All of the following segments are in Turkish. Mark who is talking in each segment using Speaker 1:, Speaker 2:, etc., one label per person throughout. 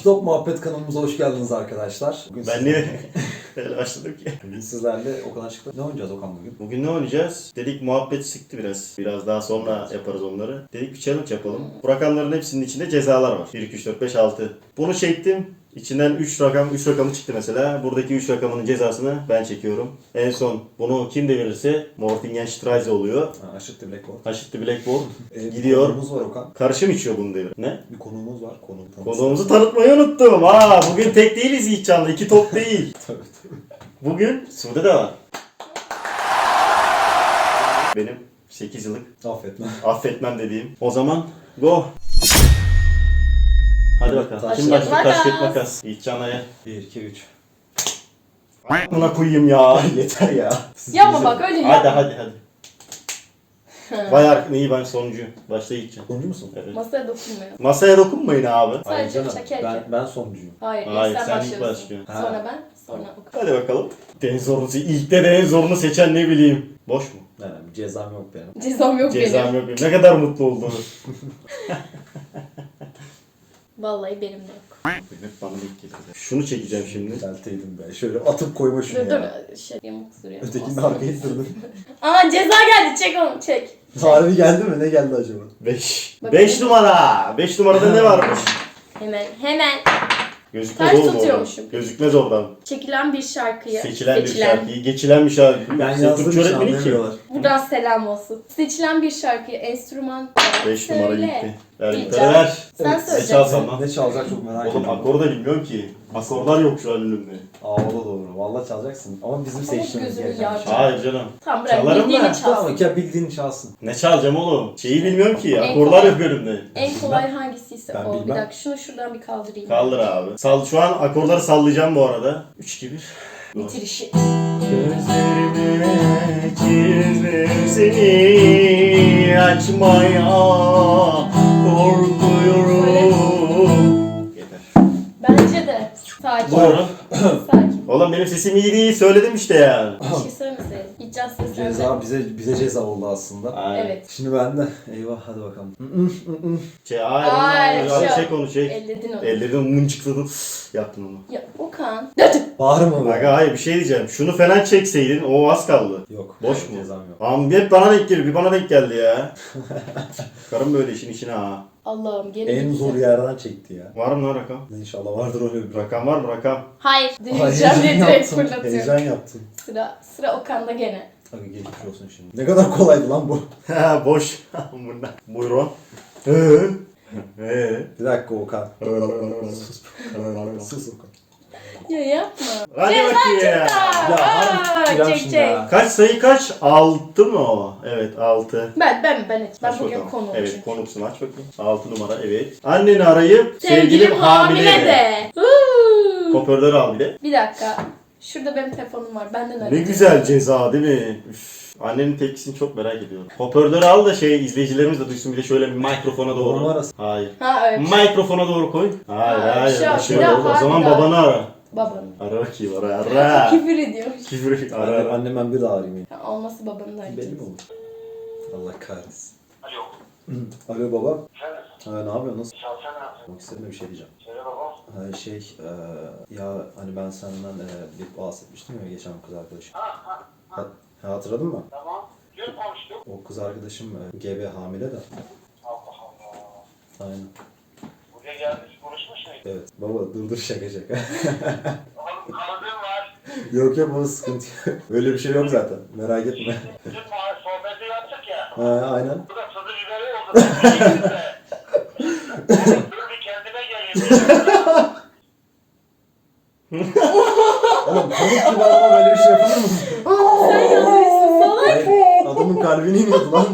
Speaker 1: Stop Muhabbet kanalımıza hoş geldiniz arkadaşlar.
Speaker 2: Bugün ben niye böyle başladım ki?
Speaker 1: Bugün sizlerle Okan çıktı. Ne oynayacağız Okan bugün?
Speaker 2: Bugün ne oynayacağız? Dedik muhabbet sıktı biraz. Biraz daha sonra yaparız onları. Dedik bir challenge yapalım. Bu rakamların hepsinin içinde cezalar var. 1, 2, 3, 4, 5, 6. Bunu çektim. İçinden 3 rakamı çıktı mesela. Buradaki 3 rakamının cezasını ben çekiyorum. En son bunu kim devirirse Mortingen-Streise oluyor.
Speaker 1: Aşıttı Blackboard.
Speaker 2: Aşıttı Blackboard.
Speaker 1: Gidiyor. Konuğumuz var Okan.
Speaker 2: Karışım içiyor bunu devir. Ne?
Speaker 1: Bir konuğumuz var.
Speaker 2: Konuğumuzu tanıtmayı unuttum. Bugün tek değiliz Yiğitcan'la. 2 top değil.
Speaker 1: Tabii.
Speaker 2: Bugün Sude de var. Benim 8 yıllık affetmem dediğim. O zaman go. Hadi bakalım.
Speaker 1: Taş,
Speaker 2: Kim başlıyor? Taş kağıt makas. Yiğitcan'a ya.
Speaker 1: 1, 2, 3.
Speaker 2: Buna koyayım ya.
Speaker 1: Yeter ya.
Speaker 3: Yapma bak öyle yapma.
Speaker 2: Hadi. Bayağı iyi, ben sonuncuyum. Başla Yiğitcan.
Speaker 1: Sonuncu musun?
Speaker 2: Evet.
Speaker 3: Masaya dokunmuyor.
Speaker 2: Masaya dokunmayın abi.
Speaker 1: Hayır
Speaker 3: Sadece
Speaker 1: canım.
Speaker 3: çekerken.
Speaker 1: Ben sonuncuyum.
Speaker 3: Hayır,
Speaker 2: Hayır,
Speaker 3: sen
Speaker 2: sen ilk
Speaker 3: başlıyorsun.
Speaker 2: başlıyorsun.
Speaker 1: Ha.
Speaker 3: Sonra ben, sonra Okan.
Speaker 2: Hadi bakalım. En zorunu, ilkte de en zorunu seçen ne bileyim. Boş mu?
Speaker 1: Yani bir cezam yok benim.
Speaker 3: Cezam yok
Speaker 2: Cezam
Speaker 3: benim.
Speaker 2: yok benim. Ne kadar mutlu olduğunu.
Speaker 3: Vallahi benim de yok.
Speaker 2: Hep bana ilk getirdi. Şunu çekeceğim şimdi.
Speaker 1: Düzelteydim ben. Şöyle atıp koyma şunu
Speaker 3: Dur
Speaker 1: ya.
Speaker 3: yamuk duruyor.
Speaker 1: Ötekini de
Speaker 3: Olsun.
Speaker 1: arkaya ittirdin.
Speaker 3: Aa ceza geldi, çek onu, çek.
Speaker 1: Harbi geldi mi? Ne geldi acaba?
Speaker 2: 5.
Speaker 3: Bakalım.
Speaker 2: 5 numara. 5 numarada ne varmış?
Speaker 3: Hemen.
Speaker 2: Gözükmez
Speaker 3: Ters
Speaker 2: oğlum oradan.
Speaker 3: tutuyormuşum.
Speaker 2: Gözükmez oradan.
Speaker 3: Çekilen bir şarkıyı.
Speaker 2: Seçilen bir şarkıyı, geçilen bir şarkıyı.
Speaker 1: Ben
Speaker 2: Sen
Speaker 1: yazdım
Speaker 2: Türkçe
Speaker 1: hiç
Speaker 2: öğretmeni ki.
Speaker 1: anlamıyorlar.
Speaker 3: Buradan selam olsun. Seçilen bir şarkıyı enstrüman
Speaker 2: 5 numara
Speaker 3: söyle.
Speaker 2: gitti. Ver
Speaker 3: Bileceğim.
Speaker 2: gitarı ver.
Speaker 3: Sen
Speaker 1: Evet,
Speaker 2: Ne
Speaker 3: söyleyeceksin.
Speaker 2: çalsam lan?
Speaker 1: Ne çalacak çok merak
Speaker 2: Oğlum
Speaker 1: ediyorum.
Speaker 2: akoru da bilmiyorum ki. Akorlar yok şu an önümde.
Speaker 1: Aa o da doğru. Vallahi çalacaksın. Ama bizim
Speaker 3: Ama
Speaker 1: seçtiğimiz
Speaker 3: gözünü
Speaker 1: gereken
Speaker 3: yağ-
Speaker 1: bir şey.
Speaker 2: Hayır canım.
Speaker 3: Tamam bırak,
Speaker 2: Çalarım
Speaker 3: bildiğini
Speaker 2: da.
Speaker 1: Tamam
Speaker 3: çalsın.
Speaker 1: ya bildiğin çalsın.
Speaker 2: Ne çalacağım oğlum? Şeyi bilmiyorum ki.
Speaker 3: En
Speaker 2: Akorlar
Speaker 3: kolay.
Speaker 2: yok önümde.
Speaker 3: En kolay hangisiyse
Speaker 1: Ben
Speaker 3: o. Bir
Speaker 1: bilmem.
Speaker 3: dakika şunu şuradan bir kaldırayım.
Speaker 2: Kaldır abi. Şu an akorları sallayacağım bu arada. 3, 2, 1.
Speaker 3: Bitir işi.
Speaker 2: Gözlerime çizdim seni açmaya korkuyorum. Yeter.
Speaker 3: Bence de. Sakin.
Speaker 2: Buyurun.
Speaker 3: Sakin.
Speaker 2: Oğlum benim sesim iyi değil, söyledim işte ya.
Speaker 3: Bir şey söylemeseydin. Gideceğiz seslerle.
Speaker 1: Ceza bize ceza oldu aslında.
Speaker 2: Aynen.
Speaker 3: Evet.
Speaker 1: Şimdi ben de eyvah hadi bakalım.
Speaker 2: Hayır,
Speaker 3: Ay,
Speaker 2: çek onu çek.
Speaker 3: Elledin onu.
Speaker 2: Ellerim mıncıkladım. Yaptın onu.
Speaker 3: Ya Okan.
Speaker 1: Bağırma be.
Speaker 2: Aga hayır bir şey diyeceğim. Şunu falan çekseydin o az kaldı.
Speaker 1: Yok.
Speaker 2: Boş mu?
Speaker 1: Cezam yok.
Speaker 2: Ama hep bana denk geliyor. Bir bana denk geldi ya. Karım böyle işin içine ha.
Speaker 3: Allah'ım geri
Speaker 1: En
Speaker 3: gitsin.
Speaker 1: zor yerden çekti ya.
Speaker 2: Var mı lan rakam?
Speaker 1: İnşallah vardır öyle bir
Speaker 2: Rakam var mı rakam?
Speaker 3: Hayır.
Speaker 1: Ay,
Speaker 3: Dinleyeceğim diye direkt
Speaker 1: yaptım.
Speaker 3: fırlatıyorum.
Speaker 1: Heyecan yaptım.
Speaker 3: Sıra Okan'da gene.
Speaker 1: Hadi geçmiş olsun şimdi. Ne kadar kolaydı lan bu.
Speaker 2: Ha boş. Bundan. Buyurun.
Speaker 1: Bir dakika Okan. Sus Okan.
Speaker 3: Ya yapma.
Speaker 2: Hadi bakayım ya.
Speaker 1: Ya harbi
Speaker 3: çek,
Speaker 1: çek
Speaker 3: çek.
Speaker 1: ya.
Speaker 2: Kaç sayı kaç? 6 mı o? Evet 6.
Speaker 3: Ben
Speaker 2: Aç
Speaker 3: bugün
Speaker 2: bakalım.
Speaker 3: konuğum
Speaker 2: Evet
Speaker 3: çünkü.
Speaker 2: konuksun aç bakayım. 6 numara evet. Anneni arayıp
Speaker 3: Sevgilim hamile de.
Speaker 2: Hoparlörü al bir de.
Speaker 3: Bir dakika. Şurada benim telefonum var. Benden
Speaker 2: Ne
Speaker 3: arayın.
Speaker 2: güzel ceza değil mi? Üf. Annenin tepkisini çok merak ediyorum. Hoparlörü al da izleyicilerimiz de duysun bir de şöyle bir mikrofona doğru.
Speaker 1: Numarası.
Speaker 2: Hayır.
Speaker 3: Ha evet.
Speaker 2: Mikrofona doğru koy. Hayır
Speaker 3: Ha,
Speaker 2: hayır.
Speaker 3: şu an
Speaker 2: Aşağı
Speaker 3: bir daha
Speaker 2: doğru. O zaman
Speaker 3: farklı.
Speaker 2: babanı ara.
Speaker 3: Babanın.
Speaker 2: Ara bakayım ara.
Speaker 3: Küfür ediyor.
Speaker 2: Küfür ara.
Speaker 1: Annem ben bir daha arayayım.
Speaker 3: Ha, olması babanın da
Speaker 1: Belli mi olur? Allah kahretsin.
Speaker 4: Alo.
Speaker 1: Alo baba.
Speaker 4: Evet.
Speaker 1: Ha, ne yapıyorsun? Nasıl?
Speaker 4: Çalsana ne yapıyorsun?
Speaker 1: Bak istedim bir şey diyeceğim.
Speaker 4: Söyle babam.
Speaker 1: Ya hani ben senden bir bahsetmiştim ya geçen kız arkadaşım.
Speaker 4: Ha.
Speaker 1: Hatırladın mı?
Speaker 4: Tamam. Dün konuştuk.
Speaker 1: O kız arkadaşım gebe hamile de.
Speaker 4: Allah Allah.
Speaker 1: Aynen.
Speaker 4: Buraya gelmiş konuşmuş muydun?
Speaker 1: Evet. Baba dur şaka.
Speaker 4: Oğlum kanadın var.
Speaker 1: yok baba sıkıntı yok. Öyle bir şey yok zaten. Merak etme.
Speaker 4: Dün sohbeti yaptık ya.
Speaker 1: Aynen.
Speaker 4: Bu da tadı biberi oldu. Dur bir kendime geleyim.
Speaker 1: Oğlum komik gibi adama böyle bir şey yapılır mı?
Speaker 3: Sen yazmışsın salak.
Speaker 1: Hayır, adamın kalbini iniyordu lan.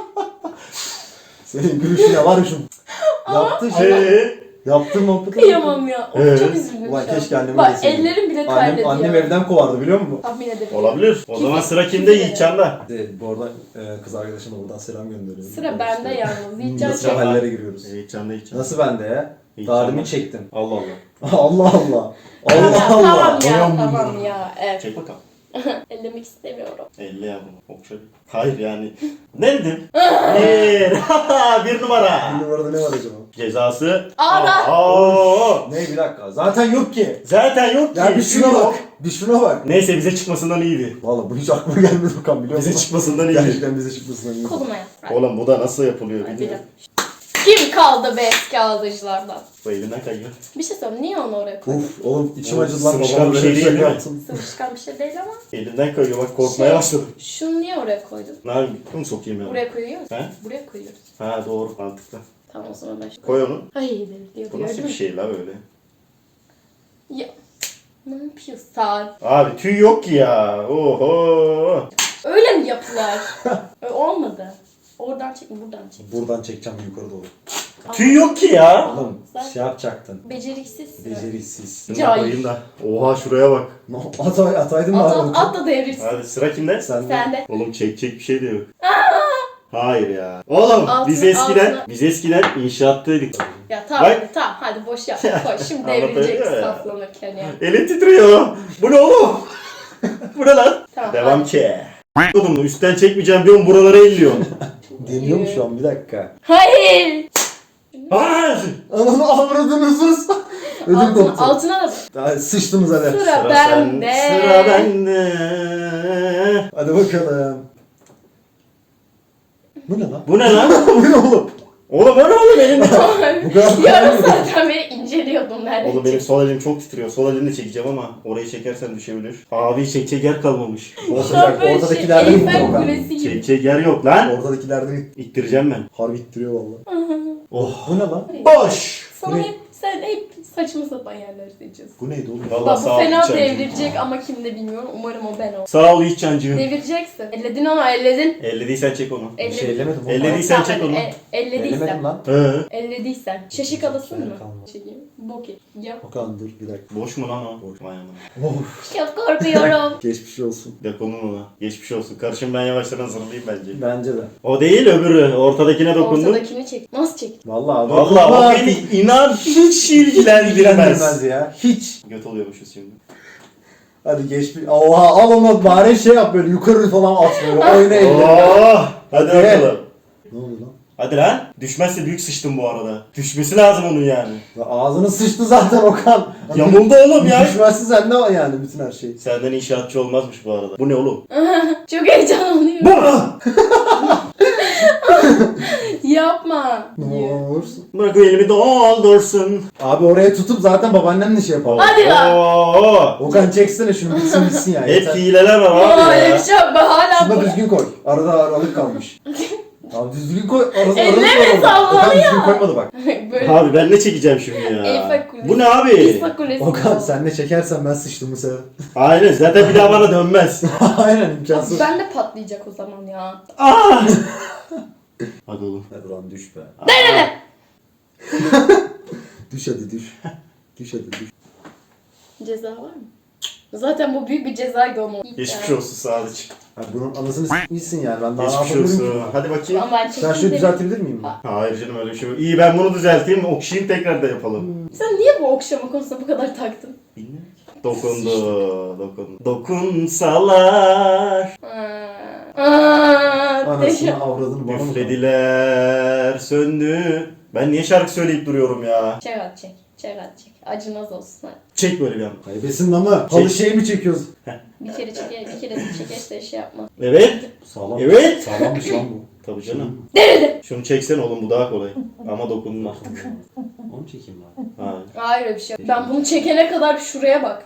Speaker 1: Senin gülüşüne var ya şu. Yaptı şey. Yaptığım muhabbeti.
Speaker 3: Kıyamam ya. Of, çok üzüldüm
Speaker 1: Ulan
Speaker 3: şu an.
Speaker 1: keşke annemi
Speaker 3: Bak
Speaker 1: deseydim.
Speaker 3: ellerim bile kaybediyor.
Speaker 1: Annem evden kovardı biliyor musun?
Speaker 3: Tahmin edebilirim.
Speaker 2: Olabilir. O zaman sıra kimde? Yiğitcan'da.
Speaker 1: Bu arada kız arkadaşıma buradan selam gönderiyorum.
Speaker 3: Sıra bende yalnız. Yiğitcan
Speaker 1: Nasıl
Speaker 3: çek.
Speaker 1: hallere giriyoruz?
Speaker 2: Yiğitcan'da.
Speaker 1: Nasıl bende ya? Darimi çektim.
Speaker 2: Allah Allah.
Speaker 1: Allah Allah.
Speaker 3: Tamam
Speaker 1: Allah Allah.
Speaker 3: ya tamam ya. Evet.
Speaker 2: Çek bakalım.
Speaker 3: Ellemek istemiyorum.
Speaker 2: Elle ya bunu. Okşa. Hayır yani. Ne dedim? Bir numara.
Speaker 1: Bir numarada ne var acaba?
Speaker 2: Cezası.
Speaker 3: Ağda.
Speaker 2: Aa.
Speaker 1: Ne bir dakika. Zaten yok ki.
Speaker 2: Zaten yok ki.
Speaker 1: Ya bir şuna bak. Bir şuna bak.
Speaker 2: Neyse bize çıkmasından iyiydi.
Speaker 1: Valla bu hiç aklıma gelmedi Okan biliyor musun?
Speaker 2: Bize çıkmasından iyiydi.
Speaker 1: Gerçekten bize çıkmasından iyiydi.
Speaker 3: Koluma yap.
Speaker 2: Oğlum bu da nasıl yapılıyor
Speaker 3: Hadi
Speaker 2: bilmiyorum.
Speaker 3: Kim kaldı be eski aldıcılardan?
Speaker 2: Bu elinden kayıyor.
Speaker 3: Bir şey söyleyeyim. Niye onu oraya koydun?
Speaker 1: Uf oğlum içim
Speaker 2: Oğlum,
Speaker 1: acıdı lan.
Speaker 2: sıvışkan
Speaker 1: Babam
Speaker 2: bir
Speaker 1: böyle
Speaker 2: şey değil, değil mi?
Speaker 1: yaptım.
Speaker 3: Sıvışkan bir şey değil ama.
Speaker 2: Elinden kayıyor bak korkmaya
Speaker 3: Şey,
Speaker 2: başladım.
Speaker 3: Şunu niye oraya koydun?
Speaker 2: Ne yapayım? Bunu sokayım yani.
Speaker 3: Buraya koyuyoruz.
Speaker 2: He?
Speaker 3: Buraya koyuyoruz.
Speaker 2: Ha doğru mantıklı.
Speaker 3: Tamam o zaman ben şunu.
Speaker 2: Koy onu.
Speaker 3: Ay diyor.
Speaker 2: Bu nasıl bir şey la böyle?
Speaker 3: Ya. Ne yapıyorsun?
Speaker 2: Abi tüy yok ki ya. Oho.
Speaker 3: Öyle mi yapılar? Öyle olmadı. Oradan çek, buradan çek.
Speaker 1: Buradan çekeceğim yukarı doğru.
Speaker 2: Tüy yok ki ya.
Speaker 1: Oğlum
Speaker 3: Sen
Speaker 1: şey yapacaktın.
Speaker 3: beceriksizsin.
Speaker 1: Beceriksiz.
Speaker 2: Şunu
Speaker 3: Cahil.
Speaker 2: koyayım da. Oha şuraya bak.
Speaker 1: Ataydın mı abi?
Speaker 3: At da devirsin.
Speaker 2: Hadi sıra kimde?
Speaker 3: Sen de.
Speaker 2: Oğlum çekecek bir şey de yok. Hayır ya. Oğlum biz
Speaker 3: Altına.
Speaker 2: eskiden inşaattaydık.
Speaker 3: Ya tamam
Speaker 2: Bak.
Speaker 3: tamam hadi boş yap. Koy şimdi
Speaker 2: Anlatabiliyor
Speaker 3: devrilecek
Speaker 2: ya.
Speaker 3: saflanırken ya.
Speaker 2: Elim titriyor. Bu ne oğlum? Bu ne lan?
Speaker 3: Tamam.
Speaker 2: Devam
Speaker 3: hadi.
Speaker 2: ki. Oğlum üstten çekmeyeceğim diyorum buralara elliyorsun.
Speaker 1: Deniyor mu şu an bir dakika?
Speaker 3: Hayır.
Speaker 2: Hayır.
Speaker 1: Ananı avradını sus. Ödüm
Speaker 3: Altına,
Speaker 1: koptu.
Speaker 3: altına da bak.
Speaker 1: Daha sıçtınız hadi.
Speaker 3: Sıra bende.
Speaker 2: Sıra bende.
Speaker 1: Hadi bakalım. Bu ne lan?
Speaker 2: Bu ne lan?
Speaker 1: Bu ne oğlum?
Speaker 2: Oğlum o ne oğlum elimde?
Speaker 1: Bu kadar
Speaker 3: Yarım saatten beri inceliyordum neredeyse.
Speaker 2: Oğlum benim sol elim çok titriyor. Sol elimle çekeceğim ama orayı çekersen düşebilir. Abi çekecek yer kalmamış.
Speaker 1: Olsun
Speaker 3: Şu an
Speaker 1: bak
Speaker 3: böyle
Speaker 1: ortadakilerden
Speaker 3: şey,
Speaker 1: gitti
Speaker 3: Eyfel
Speaker 1: Okan.
Speaker 3: Kulesi gibi.
Speaker 2: Çekecek yer yok lan.
Speaker 1: Ortadakilerden
Speaker 2: İttireceğim ben.
Speaker 1: harbi ittiriyor valla.
Speaker 2: Oh.
Speaker 1: Bu ne lan?
Speaker 2: Boş.
Speaker 3: Sana
Speaker 1: Ne?
Speaker 3: sen hep saçma sapan yerler seçiyorsun.
Speaker 1: Bu neydi oğlum?
Speaker 2: Vallahi
Speaker 3: Bak bu
Speaker 2: sağ ol
Speaker 3: fena
Speaker 2: Yiğitcancığım.
Speaker 3: devrilecek ama kimde bilmiyorum. Umarım o ben ol.
Speaker 2: Sağ ol Yiğitcancığım.
Speaker 3: Devireceksin. Elledin ama elledin.
Speaker 2: Ellediysen çek onu.
Speaker 1: Bir şey ellemedim oğlum.
Speaker 2: Ellediysen çek onu.
Speaker 3: Ellediysen.
Speaker 1: Ellemedim lan.
Speaker 2: He.
Speaker 3: Ellediysen. Şaşık alasın mı?
Speaker 1: Kalmadı.
Speaker 3: Çekeyim. Bok et. Yap.
Speaker 1: Okan dur bir dakika.
Speaker 2: Boş mu lan o? Boş. Vay anam.
Speaker 1: Of.
Speaker 3: Çok korkuyorum.
Speaker 1: Geçmiş olsun.
Speaker 2: Dokunun ona. Geçmiş olsun. Karışım ben yavaştan hazırlayayım bence.
Speaker 1: Bence de.
Speaker 2: O değil öbürü. Ortadakine dokundum.
Speaker 3: Ortadakini çek. Nasıl çek?
Speaker 1: Vallahi
Speaker 2: Vallahi o beni inan hiç ilgilendirmez.
Speaker 1: ya. Hiç.
Speaker 2: Göt oluyormuşuz şimdi.
Speaker 1: Hadi geç bir. Oha al onu bari şey yap böyle yukarı falan at böyle. Oyna elini.
Speaker 2: Oh, hadi
Speaker 1: Hadi.
Speaker 2: bakalım.
Speaker 1: Ne oldu lan?
Speaker 2: Hadi lan. Düşmezse büyük sıçtım bu arada. Düşmesi lazım onun yani.
Speaker 1: Ya ağzını sıçtı zaten Okan.
Speaker 2: Yamuldu oğlum ya.
Speaker 1: Düşmezse sende var yani bütün her şey.
Speaker 2: Senden inşaatçı olmazmış bu arada. Bu ne oğlum?
Speaker 3: Çok heyecanlanıyorum.
Speaker 2: Bu!
Speaker 3: Yapma.
Speaker 1: Ne olursun.
Speaker 2: Bırak elimi doldursun.
Speaker 1: Abi oraya tutup zaten babaannenle şey yapalım.
Speaker 3: Hadi lan.
Speaker 2: Oo!
Speaker 1: Okan çeksene şunu bitsin ya.
Speaker 2: Hep
Speaker 1: yeter.
Speaker 2: hileler var
Speaker 3: Aa,
Speaker 2: abi
Speaker 3: öyle
Speaker 2: ya.
Speaker 3: bir şey yok. Ben hala
Speaker 1: Şunu da
Speaker 3: bu.
Speaker 1: düzgün koy. Arada aralık kalmış. Abi düzgün koy. Arası
Speaker 3: Elleme sallanıyor.
Speaker 1: Okan düzgün koymadı bak.
Speaker 3: Böyle.
Speaker 2: Abi ben ne çekeceğim şimdi ya?
Speaker 3: Eyfel Kulesi.
Speaker 2: Bu ne abi?
Speaker 3: Eyfel Kulesi.
Speaker 1: Okan sen ne çekersen ben sıçtım bu sefer.
Speaker 2: Aynen zaten bir daha bana dönmez.
Speaker 1: Aynen imkansız.
Speaker 3: Ben de patlayacak o zaman ya.
Speaker 2: Ah! Hadi oğlum.
Speaker 1: Hadi lan düş be.
Speaker 3: Nerede?
Speaker 1: Düş hadi düş. Düş hadi düş.
Speaker 3: Ceza var mı? Zaten bu büyük bir cezaydı onu.
Speaker 2: Geçmiş olsun Sadıç.
Speaker 1: Abi bunun anasını s**mişsin yani ben daha ne
Speaker 2: Geçmiş
Speaker 1: yapabilirim ki?
Speaker 2: olsun. Hadi bakayım.
Speaker 3: Ama ben
Speaker 1: Sen
Speaker 3: çekeyim
Speaker 1: şöyle
Speaker 3: de-
Speaker 1: düzeltebilir miyim?
Speaker 2: Hayır canım öyle bir şey yok. İyi ben bunu düzelteyim, okşayayım tekrar da yapalım.
Speaker 3: Sen niye bu okşama konusunda bu kadar taktın?
Speaker 2: Bilmiyorum. Dokundu, dokundu. Dokunsalar,
Speaker 1: Anasını avradını bana mı?
Speaker 2: üflediler, söndü. Ben niye şarkı söyleyip duruyorum ya?
Speaker 3: Çek at çek. Çek at çek. Acımaz olsun hadi.
Speaker 2: Çek böyle bir an.
Speaker 1: Kaybesin ama halı şey mi çekiyoruz?
Speaker 3: Bir kere çeker, bir kere de çekerse şey yapma.
Speaker 2: Evet.
Speaker 1: Sağlam.
Speaker 2: Evet.
Speaker 1: Sağlammış lan bu.
Speaker 2: Tabii canım.
Speaker 3: Nerede?
Speaker 2: Şunu çeksen oğlum bu daha kolay. Ama dokundun artık.
Speaker 1: Onu çekeyim lan.
Speaker 2: Hayır.
Speaker 3: Hayır öyle bir şey yok. Ben bunu çekene kadar şuraya bak.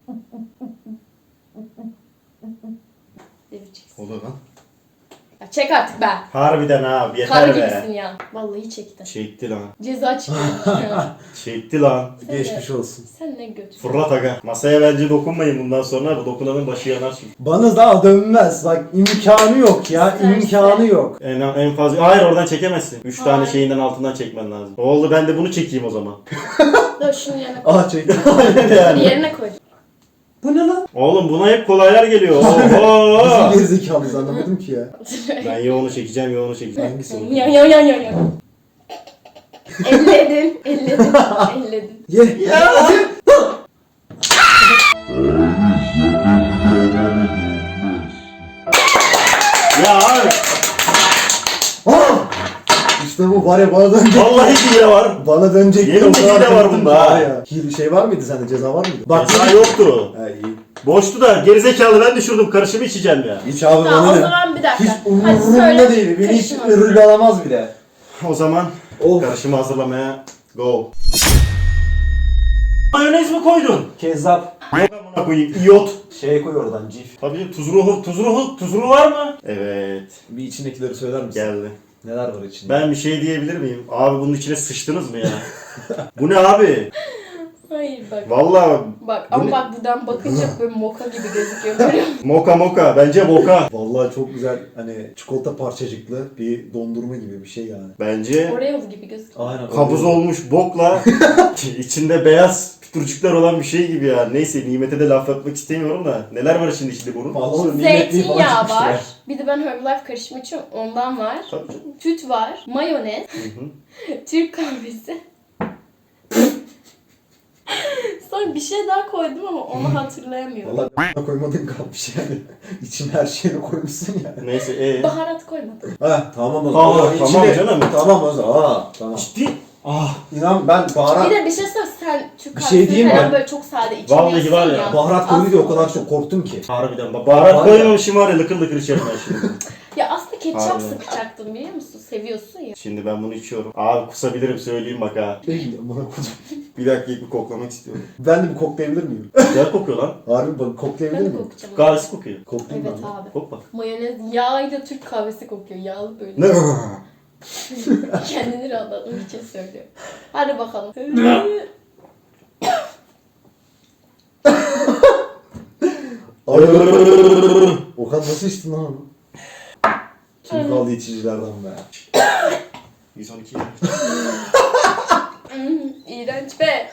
Speaker 3: Devireceksin.
Speaker 2: Olur lan.
Speaker 3: Ya çek artık be.
Speaker 2: Harbiden abi
Speaker 3: Kar
Speaker 2: yeter be.
Speaker 3: gibisin ya. Vallahi çektin.
Speaker 2: Çekti lan.
Speaker 3: Ceza çıkıyormuş ya.
Speaker 2: Çekti lan.
Speaker 1: Geçmiş olsun.
Speaker 3: Sen ne götür.
Speaker 2: Fırlat aga. Masaya bence dokunmayın bundan sonra. Bu dokunanın başı yanar çünkü.
Speaker 1: Bana daha dönmez. Bak imkanı yok ya.
Speaker 3: İsterse.
Speaker 1: İmkanı yok.
Speaker 2: En fazla... Hayır oradan çekemezsin. 3 tane
Speaker 3: Hayır.
Speaker 2: şeyinden altından çekmen lazım. Oldu ben de bunu çekeyim o zaman.
Speaker 3: Dur şunu yerine koy.
Speaker 1: Ah çektim.
Speaker 3: Bir yerine koy.
Speaker 1: Bu ne lan?
Speaker 2: Oğlum buna hep kolaylar geliyor.
Speaker 1: Nasıl
Speaker 2: Oho!
Speaker 1: gerizekalıyız anlamadım ki ya.
Speaker 2: Ben yoğunu çekeceğim, yoğunu çekeceğim.
Speaker 1: Hangisi o?
Speaker 3: Ya. Elledin.
Speaker 1: Ye.
Speaker 2: Ya! Ya abi.
Speaker 1: İşte bu var ya bana dönecek.
Speaker 2: Vallahi hile var.
Speaker 1: Bana dönecek.
Speaker 2: Yemin
Speaker 1: O kadar
Speaker 2: hile var
Speaker 1: korktum
Speaker 2: bunda
Speaker 1: ki
Speaker 2: ha.
Speaker 1: var ya. Şey var mıydı sende? Ceza var mıydı? Bak.
Speaker 2: Ceza yoktu.
Speaker 1: He iyi.
Speaker 2: Boştu da gerizekalı ben düşürdüm. Karışımı içeceğim ya.
Speaker 1: Hiç abi
Speaker 3: Tamam
Speaker 1: bana
Speaker 3: o
Speaker 1: ne?
Speaker 3: zaman bir dakika.
Speaker 1: Hiç
Speaker 3: Hadi
Speaker 1: umurumda
Speaker 3: söyle.
Speaker 1: değil. Beni hiç
Speaker 3: Karışma.
Speaker 1: ırgalamaz bile.
Speaker 2: O zaman
Speaker 1: Of.
Speaker 2: karışımı hazırlamaya go. Mayonez mi koydun?
Speaker 1: Kezzap.
Speaker 2: Yok amına koyayım. İyot.
Speaker 1: Şey koy oradan cif.
Speaker 2: Tabii tuz ruhu var mı? Evet.
Speaker 1: Bir içindekileri söyler misin?
Speaker 2: Geldi.
Speaker 1: Neler var içinde?
Speaker 2: Ben bir şey diyebilir miyim? Abi bunun içine sıçtınız mı ya? Bu ne abi?
Speaker 3: Hayır bak.
Speaker 2: Vallahi
Speaker 3: Bak
Speaker 2: Bu
Speaker 3: ama
Speaker 2: ne?
Speaker 3: bak buradan bakınca böyle moka gibi gözüküyor görüyor musun?
Speaker 2: moka bence boka.
Speaker 1: Vallahi çok güzel hani çikolata parçacıklı bir dondurma gibi bir şey yani.
Speaker 2: Bence
Speaker 3: Oreo gibi gözüküyor.
Speaker 1: Aynen.
Speaker 2: kabuz olmuş bokla içinde beyaz pütürcükler olan bir şey gibi ya. Neyse nimete de laf atmak istemiyorum da. Neler var şimdi içinde bunun?
Speaker 1: Vallahi
Speaker 3: Zeytinyağı var. Bir de ben Herbalife karışımı için ondan var.
Speaker 2: Tabii canım.
Speaker 3: Süt var. Mayonez.
Speaker 2: Hı hı.
Speaker 3: Türk kahvesi. Sonra bir şey daha koydum ama onu hatırlayamıyorum.
Speaker 1: Vallahi koymadın kalmış yani. İçine her şeyini koymuşsun ya.
Speaker 2: Neyse
Speaker 3: Baharat koymadım.
Speaker 1: Ha tamam o zaman.
Speaker 2: Aa, tamam canım.
Speaker 1: Tamam o zaman. Aa, tamam.
Speaker 2: Ciddi. Ah.
Speaker 1: İnan ben baharat
Speaker 3: Bir de bir şey söyle sen Türk
Speaker 1: Bir
Speaker 3: kahvesi
Speaker 1: şey diyeyim
Speaker 3: falan
Speaker 1: mi?
Speaker 3: böyle çok sade içemiyorsun
Speaker 2: Vallahi var ya,
Speaker 1: baharat koydu diye o kadar çok korktum ki.
Speaker 2: Harbiden baharat
Speaker 1: Var ya.
Speaker 2: koymamışım var ya lıkır lıkır içerim ben şimdi.
Speaker 3: Ya aslında ketçap
Speaker 2: Harbiden.
Speaker 3: sıkacaktım biliyor musun? Seviyorsun ya.
Speaker 2: Şimdi ben bunu içiyorum. Abi kusabilirim söyleyeyim bak ha.
Speaker 1: Değil bana koydum.
Speaker 2: Bir dakika bir koklamak istiyorum.
Speaker 1: Ben de bir koklayabilir miyim?
Speaker 2: Güzel kokuyor lan.
Speaker 1: Harbi bak koklayabilir
Speaker 3: Ben de
Speaker 1: miyim?
Speaker 3: kokacağım.
Speaker 2: Kahvesi kokuyor.
Speaker 1: Koklayayım
Speaker 3: Evet
Speaker 1: ben de.
Speaker 3: abi.
Speaker 2: Kok bak.
Speaker 3: Mayonez yağıyla Türk kahvesi kokuyor. Yağlı böyle.
Speaker 1: Ne?
Speaker 3: Kendini rahatlatmak için söylüyor. Hadi bakalım.
Speaker 1: Okan nasıl içtin lan onu? Kim kaldı içicilerden be?
Speaker 2: 112.
Speaker 3: İğrenç be.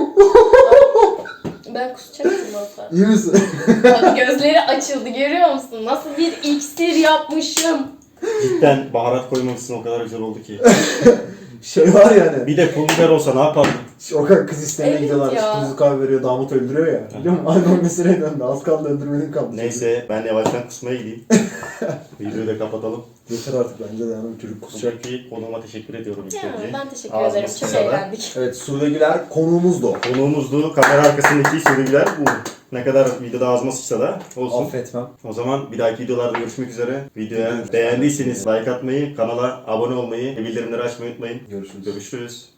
Speaker 3: Ben kusacaktım valla.
Speaker 1: İyi misin?
Speaker 3: Bak gözleri açıldı görüyor musun? Nasıl bir iksir yapmışım.
Speaker 2: Cidden baharat koymamışsın o kadar güzel oldu ki.
Speaker 1: Şey var yani.
Speaker 2: Bir de pul biber olsa ne yapardın?
Speaker 1: Okan kız istemeye
Speaker 3: Evet
Speaker 1: gidiyorlar.
Speaker 3: ya.
Speaker 1: Kırmızı kahve veriyor, damat öldürüyor ya. Biliyor musun? Aynı o meseleye döndü. Az kaldı öldürmenin kaldı.
Speaker 2: Neyse ben yavaştan kusmaya gideyim. Videoyu da kapatalım.
Speaker 1: Yeter artık bence de yani çocuk kusacak.
Speaker 2: Kusacak konuğuma teşekkür ediyorum ilk
Speaker 3: Ya,
Speaker 2: önce.
Speaker 3: ben teşekkür
Speaker 2: Ağzına
Speaker 3: ederim. Çok
Speaker 2: sıçradı.
Speaker 3: eğlendik.
Speaker 1: Evet Sude Güler konuğumuzdu.
Speaker 2: Konuğumuzdu. Kamera arkasındaki sürücüler bu. Ne kadar videoda ağzıma sıçsa da olsun.
Speaker 1: Affetmem.
Speaker 2: O zaman bir dahaki videolarda görüşmek üzere. Videoya beğendiyseniz like atmayı, kanala abone olmayı ve bildirimleri açmayı unutmayın.
Speaker 1: Görüşürüz.
Speaker 2: Görüşürüz.